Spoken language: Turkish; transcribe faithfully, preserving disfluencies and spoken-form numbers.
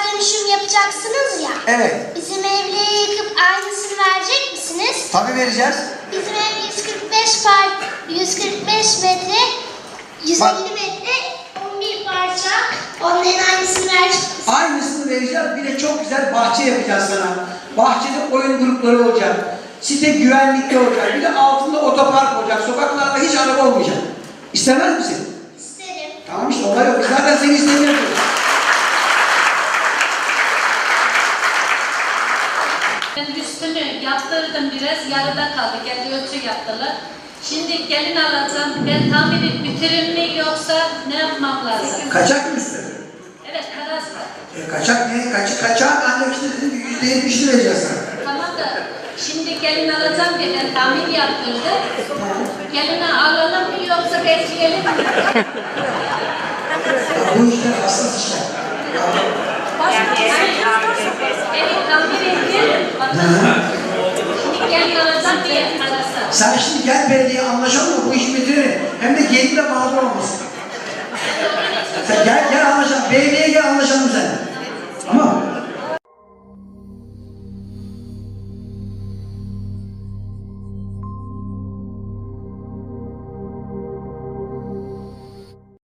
dönüşüm yapacaksınız ya. Evet. Bizim evleri yıkıp aynısını verecek misiniz? Tabii vereceğiz. Bizim ev yüz kırk beş par yüz kırk beş metre, yüz elli Bak. metre, on bir parça. Onların aynısını verecek misiniz? Aynısını vereceğiz. Bir de çok güzel bahçe yapacağız sana. Bahçede oyun grupları olacak. Site güvenlikli olacak. Bir de altında otopark olacak. Sokaklarda hiç araba olmayacak. İstemez misin? İsterim. Tamam işte olay yok. Biz zaten seni istemiyoruz. Ben üstünü yaptırdım biraz, yarıda kaldı. Kendi ölçü yaptılar. Şimdi gelin alacağım. Ben tamiri bitirir mi yoksa ne yapmam lazım? Kaçak mı üstü? Evet, karas var. E, kaçak ne? Kaç, kaçak ancak işte dedim yüzde yetmişini vereceğiz sana. Tamam da şimdi gelin alacağım diye ben tamir yaptırdı. Gelini alalım mı yoksa bekleyelim mi? Ya, bu işler hassas işler. Evi tamir ettim. Şimdi gelin alacağım diye arasa. Sen şimdi gel belediye anlaşalım mı? Bu işi bitirelim. Hem de gelin de mağdur olmasın. Sen gel gel anlaşalım. Belediyeye gel anlaşalım sen. Tamam.